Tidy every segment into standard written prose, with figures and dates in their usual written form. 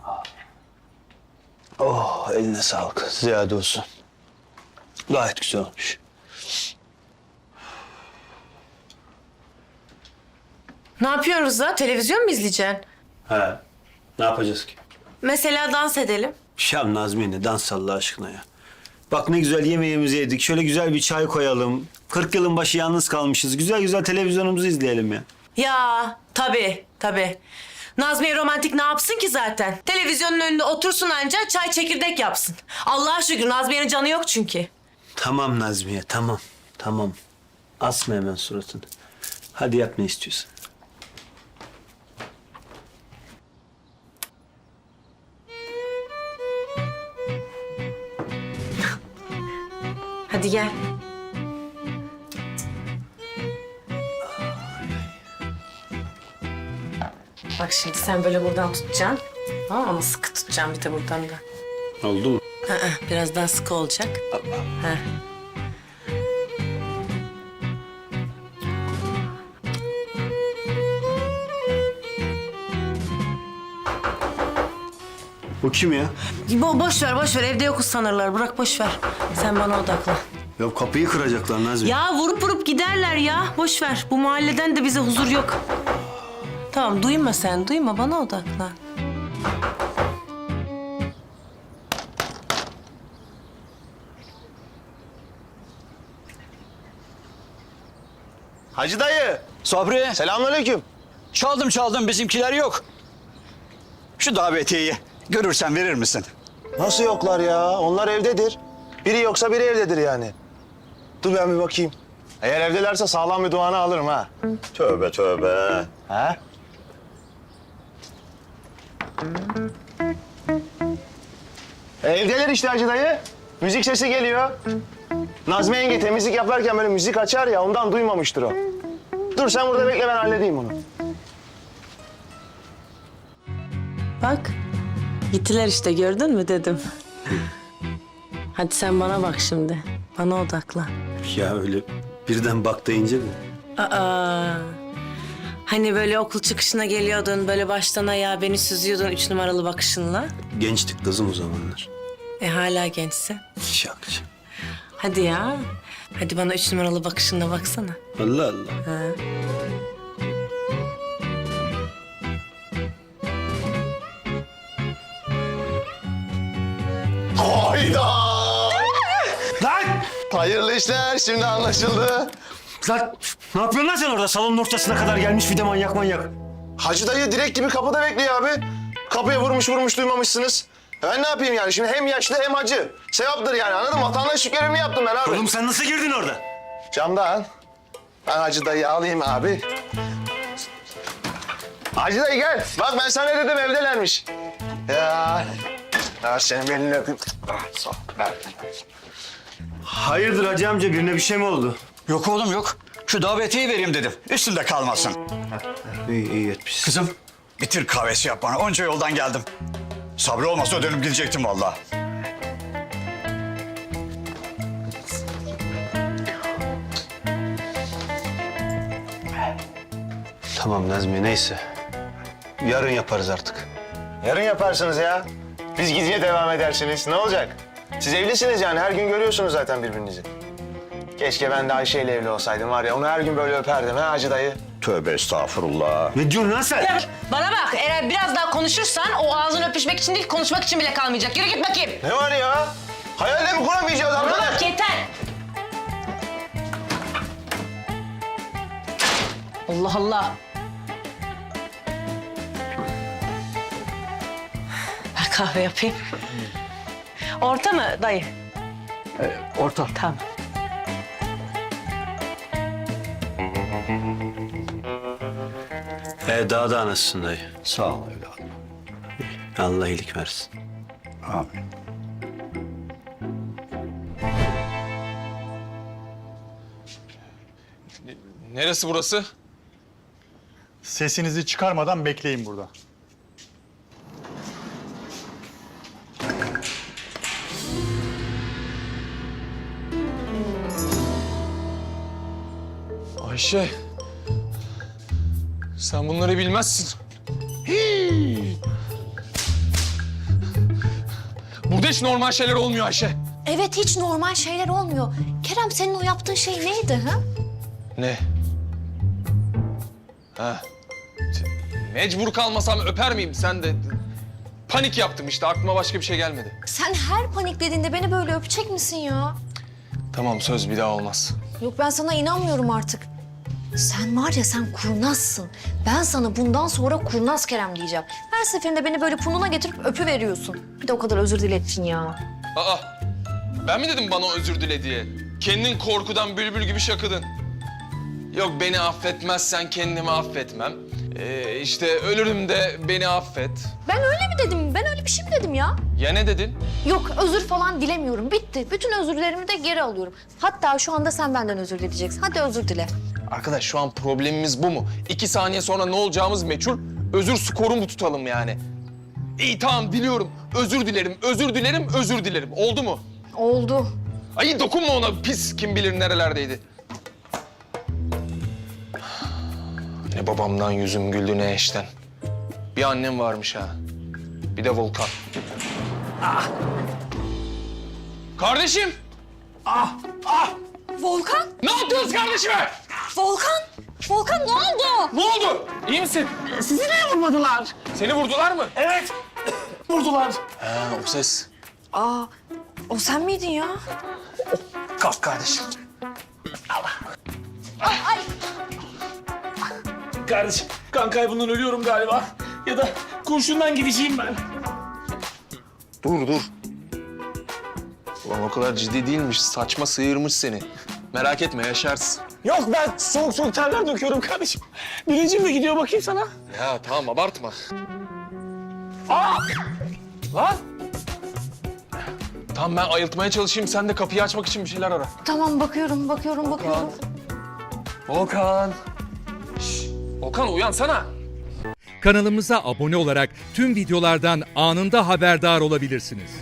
Oh, eline sağlık. Ziyade olsun. Gayet güzel olmuş. Ne yapıyoruz da? Televizyon mu izleyeceksin? He. Ne yapacağız ki? Mesela dans edelim. Ya Nazmiye ne dans Allah aşkına ya. Bak ne güzel yemeğimizi yedik. Şöyle güzel bir çay koyalım. 40 yılın başı yalnız kalmışız. Güzel güzel televizyonumuzu izleyelim ya. Ya tabii. Nazmiye romantik ne yapsın ki zaten? Televizyonun önünde otursun anca çay çekirdek yapsın. Allah'a şükür Nazmiye'nin canı yok çünkü. Tamam Nazmiye, tamam. Tamam. Asma hemen suratını. Hadi yap ne istiyorsan. Hadi gel. Bak şimdi sen böyle buradan tutacaksın. Tamam ama sıkı tutacaksın bir de buradan da. Oldu mu? Biraz daha sıkı olacak. Ha. Bu kim ya? Boş ver evde yokuz sanırlar. Bırak boş ver. Sen bana odaklan. Ya kapıyı kıracaklar Nazmiye. Ya vurup giderler ya. Boş ver. Bu mahalleden de bize huzur yok. Tamam duyma sen. Duyma bana odaklan. Hacı dayı. Sabri, Selamünaleyküm. çaldım bizimkiler yok. Şu davetiyeyi görürsen verir misin? Nasıl yoklar ya? Onlar evdedir. Biri yoksa biri evdedir yani. Dur ben bir bakayım. Eğer evdelerse sağlam bir duanı alırım ha. Tövbe tövbe. Ha? Evdeler işte Hacı dayı. Müzik sesi geliyor. Nazmi yenge temizlik yaparken böyle müzik açar ya ondan duymamıştır o. Dur sen burada bekle ben halledeyim onu. Bak. Gittiler işte gördün mü dedim. Hadi sen bana bak şimdi. Bana odaklan. Ya öyle birden bak deyince mi? Aa. Hani böyle okul çıkışına geliyordun, böyle baştan ayağa beni süzüyordun 3 numaralı bakışınla. Gençtik kızım o zamanlar. Hala gençsin. Şak. Hadi ya. Hadi bana 3 numaralı bakışınla baksana. Allah Allah. Ha. Hayda! Lan! Hayırlı işler şimdi anlaşıldı. Lan ne yapıyorsun lan sen orada? Salonun ortasına kadar gelmiş bir de manyak. Hacı dayı direkt gibi kapıda bekliyor abi. Kapıya vurmuş duymamışsınız. Ben ne yapayım yani şimdi hem yaşlı hem hacı. Sevaptır yani anladın mı? Vatandaşlık görevimi yaptım ben abi. Oğlum sen nasıl girdin orada? Camdan. Ben Hacı dayıyı alayım abi. Hacı dayı gel. Bak ben sana ne dedim evdelermiş. Ya. Ya senin belini öpeyim. Ah, sağ ol. Ver. Hayırdır hacı amca birine bir şey mi oldu? Yok oğlum yok. Şu davetiyeyi vereyim dedim. Üstünde kalmasın. İyi etmişsin. Kızım, bitir kahvesi yap bana. Onca yoldan geldim. Sabri olmasa dönüp gidecektim vallahi. Tamam Nazmiye neyse. Yarın yaparız artık. Yarın yaparsınız ya. Biz gidince devam edersiniz. Ne olacak? Siz evlisiniz yani. Her gün görüyorsunuz zaten birbirinizi. Keşke ben de Ayşe ile evli olsaydım var ya. Onu her gün böyle öperdim ha Hacı dayı. Tövbe estağfurullah. Ne diyorsun lan sen? Bana bak eğer biraz daha konuşursan o ağzını öpüşmek için değil konuşmak için bile kalmayacak. Yürü git bakayım. Ne var ya? Hayalde mi kuramayacağız Bana arkadaş? bak yeter. Allah Allah. Ben kahve yapayım. Orta mı dayı? Orta. Tamam. Daha da anasın dayı. Sağ ol evladım. Allah iyilik versin. Amin. Neresi burası? Sesinizi çıkarmadan bekleyin burada. Ayşe. Sen bunları bilmezsin. Burada hiç normal şeyler olmuyor Ayşe. Evet, hiç normal şeyler olmuyor. Kerem, senin o yaptığın şey neydi ha? Ne? Ha. Mecbur kalmasam öper miyim? Sen de panik yaptım işte. Aklıma başka bir şey gelmedi. Sen her paniklediğinde beni böyle öpecek misin ya? Tamam, söz bir daha olmaz. Yok, ben sana inanmıyorum artık. Sen var ya, sen kurnazsın. Ben sana bundan sonra kurnaz Kerem diyeceğim. Her seferinde beni böyle pununa getirip öpüveriyorsun. Bir de o kadar özür dilettin ya. Aa, ben mi dedim bana özür dile diye? Kendin korkudan bülbül gibi şakıdın. Yok, beni affetmezsen kendimi affetmem. İşte ölürüm de beni affet. Ben öyle mi dedim? Ben öyle bir şey mi dedim ya? Ya ne dedin? Yok, özür falan dilemiyorum. Bitti. Bütün özürlerimi de geri alıyorum. Hatta şu anda sen benden özür dileyeceksin. Hadi özür dile. Arkadaş, şu an problemimiz bu mu? 2 saniye sonra ne olacağımız meçhul. Özür skoru mu tutalım yani? İyi, tamam, diliyorum. Özür dilerim, özür dilerim, özür dilerim. Oldu mu? Oldu. Ay dokunma ona, pis, kim bilir nerelerdeydi. Ne babamdan yüzüm güldü ne eşten. Bir annem varmış ha. Bir de Volkan. Kardeşim! Volkan! Ne yaptınız kardeşime? Volkan! Volkan, ne oldu? Ne oldu? İyi misin? Sizi niye vurmadılar? Seni vurdular mı? Evet, vurdular. Ha, o ses. Aa, o sen miydin ya? Kalk kardeşim. Ay! Kardeşim, kan kaybından ölüyorum galiba. Ya da kurşundan gideceğim ben. Dur. Ulan o kadar ciddi değilmiş. Saçma sıyırmış seni. Merak etme, yaşarsın. Yok, ben soğuk soğuk terler döküyorum kardeşim. Bilincim de gidiyor, bakayım sana. Ya tamam, abartma. Lan! Tamam, ben ayıltmaya çalışayım. Sen de kapıyı açmak için bir şeyler ara. Tamam, bakıyorum. Volkan. Volkan, uyansana. Kanalımıza abone olarak tüm videolardan anında haberdar olabilirsiniz.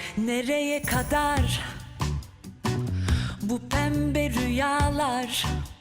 Nereye kadar bu pembe rüyalar?